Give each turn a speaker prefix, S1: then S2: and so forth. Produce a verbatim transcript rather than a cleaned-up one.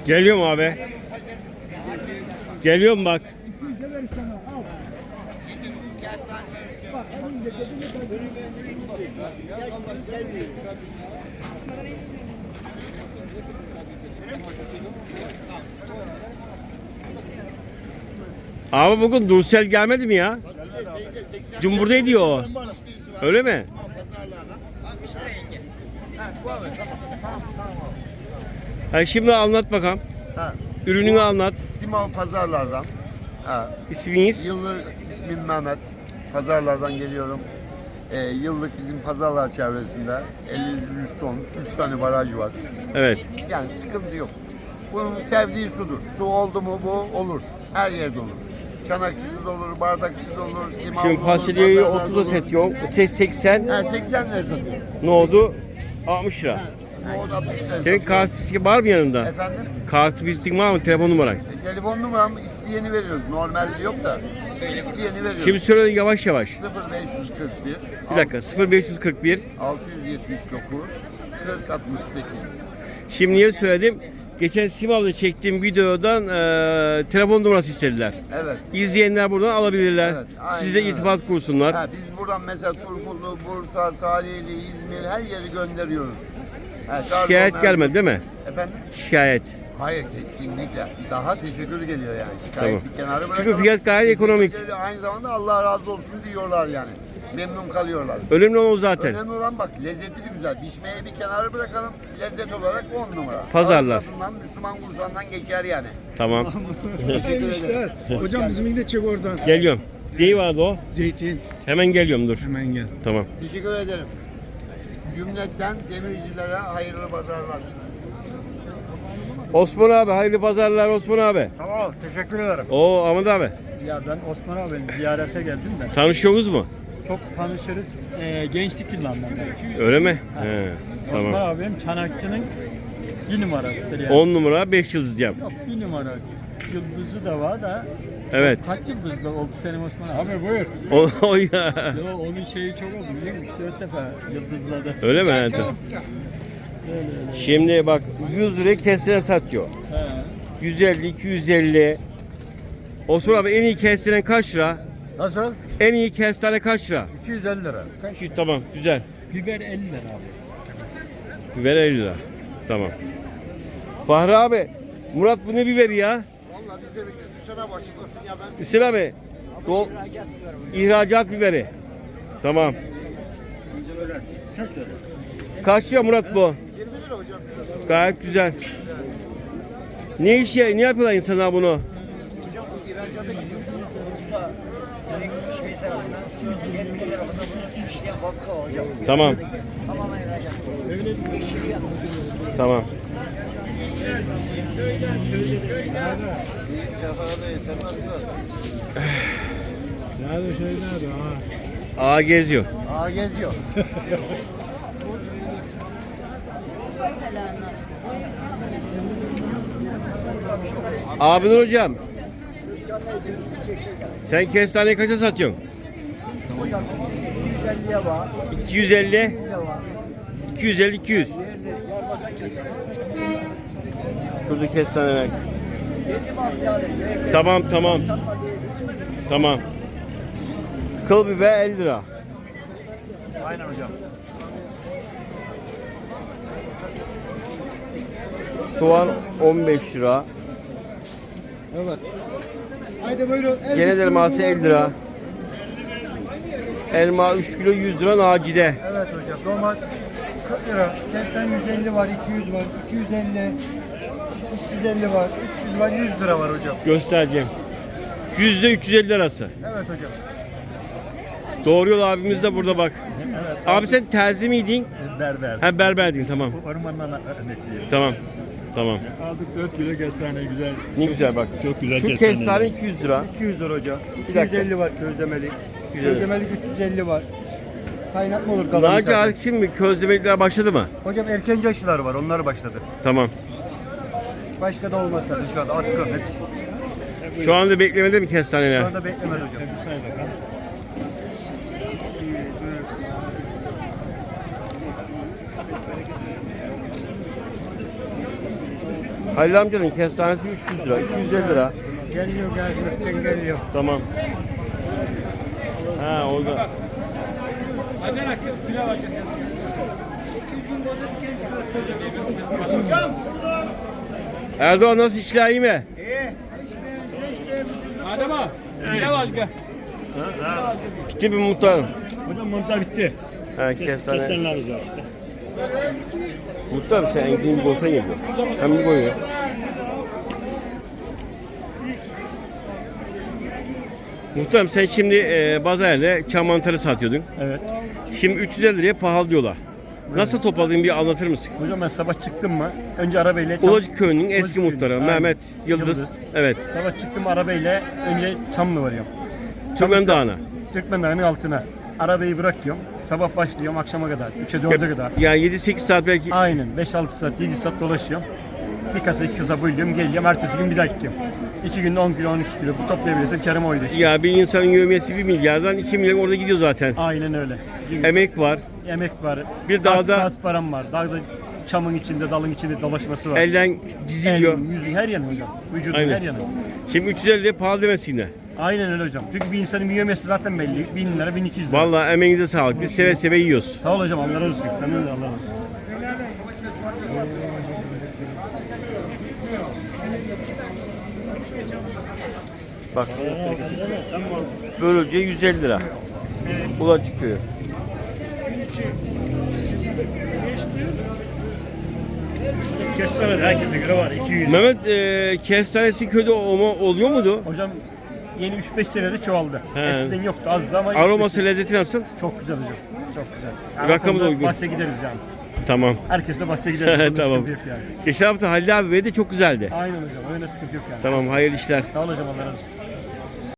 S1: Geliyorum abi. Geliyorum bak. Abi bugün Dursel gelmedi mi ya? Dün buradaydı o. Öyle mi? Ha, şimdi anlat bakalım.
S2: Ha,
S1: Ürününü anlat.
S2: Simav pazarlardan. Ha,
S1: İsminiz?
S2: yıllık ismim Mehmet. Pazarlardan geliyorum. Ee, yıllık bizim pazarlar çevresinde elli yüz ton, üç tane baraj var.
S1: Evet.
S2: Yani sıkıntı yok. Bunun sevdiği sudur. Su oldu mu bu olur. Her yerde olur. Çanaksız olur, bardaksız olur, simav
S1: Şimdi
S2: olur.
S1: fasulyeyi
S2: pazarlarda
S1: otuza
S2: olur.
S1: satıyor. seksen.
S2: Ha, seksen lira satıyor.
S1: Ne oldu? altmış lira.
S2: O altmış lira
S1: Senin
S2: satıyor.
S1: kart bisküvi var mı yanında?
S2: Efendim?
S1: Kart bisküvi var mı? Telefon numaran.
S2: E, telefon numaram isteyeni veriyoruz. Normalde yok da isteyeni veriyoruz.
S1: Şimdi söyle yavaş yavaş.
S2: sıfır beş kırk bir
S1: Bir dakika. sıfır beş kırk bir.
S2: altı yüz yetmiş dokuz kırk altmış sekiz.
S1: Şimdi niye söyledim? Geçen Simav'da çektiğim videodan e, telefon numarası istediler.
S2: Evet.
S1: İzleyenler buradan alabilirler.
S2: Evet, aynen
S1: Sizle
S2: öyle.
S1: irtibat kursunlar.
S2: Ha, biz buradan mesela Turgutlu, Bursa, Salihli, İzmir her yeri gönderiyoruz. Ha,
S1: Şikayet
S2: Trabzon,
S1: gelmedi değil mi?
S2: Efendim?
S1: Şikayet.
S2: Hayır kesinlikle. Daha teşekkür geliyor yani. Şikayet
S1: Tamam.
S2: bir kenara
S1: Çünkü
S2: bırakalım.
S1: fiyat gayet
S2: Teşekkür
S1: ekonomik.
S2: geliyor. Aynı zamanda Allah razı olsun diyorlar yani. Memnun kalıyorlar.
S1: Önemli olan o zaten.
S2: Önemli olan bak lezzeti de güzel. Pişmeyi bir kenara bırakalım. Lezzet olarak on numara.
S1: Pazarlar.
S2: Ağız tadından, Müslüman kursağından geçer yani.
S1: Tamam.
S2: Teşekkür ederim.
S3: Hocam bizimki de çek oradan.
S1: Geliyorum. Neyi vardı o?
S3: Zeytin.
S1: Hemen geliyorum dur.
S3: Hemen gel.
S1: Tamam.
S2: Teşekkür ederim. Cümletten demircilere hayırlı pazarlar.
S1: Osman abi hayırlı pazarlar Osman abi.
S3: Tamam, teşekkür ederim.
S1: Oo Ahmet abi.
S4: Ya ben Osman abinin ziyarete geldim de
S1: Tanışıyoruz mu?
S4: çok tanışırız. Ee, gençlik yıllarından beri.
S1: Öyle mi? He,
S4: Osman
S1: tamam.
S4: abim Çanakçı'nın bir numarasıdır yani.
S1: on numara beş yıldız diyeceğim.
S4: Yok bir numara. Yıldızı da var da.
S1: Evet.
S4: Kaç yıldızlı oldu senin Osman abi?
S3: Abi buyur.
S1: O, o ya.
S4: Yo, onun şeyi çok oldu biliyor musun? üç dört defa yıldızladı.
S1: Öyle mi? Evet. Şimdi bak yüz liraya kestane satıyor.
S4: He.
S1: yüz elli, iki yüz elli. Osman abi en iyi kestane kaç lira?
S3: Nasıl?
S1: En iyi kestane kaç lira?
S3: iki yüz elli lira.
S1: Şu, tamam güzel.
S4: Biber elli lira abi.
S1: Biber elli lira. Tamam. Fahri abi, Murat bu ne biberi ya?
S2: Vallahi biz de bekliyoruz. Hüseyin abi açıklasın ya ben.
S1: Hüseyin abi, dol, ihracat biberi. Tamam. Kaç lira Murat bu?
S2: yirmi lira hocam.
S1: Gayet güzel. Ne iş ya? Ne yapıyorlar insanlar bunu?
S2: Hocam bu ihracata gidiyor. Bursa, şey tarafına, yirmi tarafında bunu işleyen fabrika hocam.
S1: Tamam.
S2: Tamamen ihracat. Yeşili yapıyor.
S1: Tamam.
S2: Sen nasılsın?
S3: Nerede şey nerede ha?
S1: Ağa geziyor.
S2: Aa geziyor.
S1: Abidin hocam. Sen kestaneyi kaça satıyorsun?
S2: Hocam iki yüz elliye var.
S1: iki yüz elli.
S2: Ne var?
S1: iki yüz elli, iki yüz. Şurada kestaneler. Tamam tamam. Tamam. Kıl biber elli lira.
S2: Aynen hocam.
S1: Soğan on beş lira.
S3: Evet. Haydi buyurun.
S1: Genel elması elli lira. Elma üç kilo yüz lira Naci'de.
S3: Evet hocam. Domat kırk lira. Kesten yüz elli var, iki yüz var, iki yüz elli, üç yüz elli var, üç yüz var, yüz lira var hocam.
S1: Göstereceğim. Yüzde üç yüz elli arası.
S3: Evet hocam.
S1: Doğru yol abimiz de burada bak. Abi sen terzi miydin?
S3: Berber.
S1: Ha berberdin tamam.
S3: Ormandan emekliyim.
S1: Tamam. Tamam.
S3: Aldık dört kilo kestane güzel.
S1: Ne güzel bak.
S3: Çok güzel
S1: Şu
S3: kestane.
S1: kestane iki yüz lira.
S3: iki yüz lira hocam.
S1: dakika.
S3: iki yüz elli var közlemelik.
S1: iki yüz elli.
S3: Közlemelik üç yüz elli var. Kaynatma olur kalan
S1: Naci
S3: zaten.
S1: hariç mi? Közlemekler başladı mı?
S3: Hocam erkenci aşılar var. Onlar başladı.
S1: Tamam.
S3: Başka da olmaz zaten şu anda. Atkı hepsi.
S1: Şu anda beklemede mi kestaneler?
S3: Şu anda beklemedi hocam.
S1: Halil amcanın kestanesi üç yüz lira, iki yüz elli lira.
S4: Geliyor gelmekten geliyor.
S1: Tamam. Ha orada. Erdoğan nasıl işler iyi mi?
S4: Adama. Ne var gel.
S1: Bitti mi muhtarım?
S4: Hocam mantar bitti.
S1: Ha kestane.
S4: Kesenler güzel işte.
S1: Muhtarım sen enginci olsan geliyor. Sen bir koy ya. Muhtarım sen şimdi e, Bazar'da çam mantarı satıyordun.
S4: Evet.
S1: Şimdi üç yüz elli liraya pahalı diyorlar. Nasıl topladığını bir anlatır mısın?
S4: Hocam ben sabah çıktım mı? Önce arabayla çam...
S1: Ulacık Köyü'nün eski
S4: Ulacık Köyü.
S1: muhtarı
S4: Aynen.
S1: Mehmet Yıldız.
S4: Yıldız.
S1: Evet.
S4: Sabah çıktım arabayla önce Çamlı varıyorum.
S1: Türkmen Dağı'na.
S4: Türkmen Dağı'nın altına. Arabayı bırakıyorum. Sabah başlıyorum akşama kadar. üçe dörde kadar.
S1: Yani yedi sekiz saat belki.
S4: Aynen. beş altı saat, yedi saat dolaşıyorum. Bir kasa iki kasa bölüyorum, geliyorum. Ertesi gün bir daha gidiyorum. iki günde on kilo, on iki kilo. Bu toplayabilirsem karım oydu işte.
S1: Ya bir insanın yövmiyesi bir milyardan iki milyon orada gidiyor zaten.
S4: Aynen öyle. Çünkü
S1: Emek var.
S4: emek var.
S1: Bir
S4: Gaz-
S1: dağda-
S4: gaz param var. Dağda çamın içinde, dalın içinde dolaşması var.
S1: Elden diziliyor.
S4: El, yüzün her yanı hocam. Vücudun
S1: Aynen.
S4: her yanı.
S1: Şimdi üç yüz elli liraya pahalı demesinler.
S4: Aynen öyle hocam. Çünkü bir insanın yövmiyesi zaten belli. bin lira, bin iki yüz lira.
S1: Vallahi emeğinize sağlık. Biz seve seve yiyoruz.
S4: Sağ ol hocam. Allah razı olsun. Senden de Allah razı olsun.
S1: Bak. Böylece yüz elli lira. Ulacık Köyü.
S4: Kestane de herkese göre var. iki yüz.
S1: Mehmet e, kestanesi köyde olma, oluyor muydu?
S4: Hocam yeni üç beş senede çoğaldı.
S1: He.
S4: Eskiden yoktu, azdı ama üç
S1: Aroması,
S4: beş
S1: lezzeti nasıl?
S4: çok güzel hocam. Çok güzel. Yani
S1: Rakamı
S4: o konuda
S1: da uygun.
S4: Bahse gideriz yani.
S1: Tamam.
S4: Herkesle bahse gideriz. Onda
S1: Tamam.
S4: sıkıntı yok yani.
S1: Geçen hafta Halil abi de çok güzeldi.
S4: Aynen hocam. Öyle sıkıntı yok yani.
S1: Tamam hayırlı işler.
S4: Sağ ol hocam. Allah razı olsun.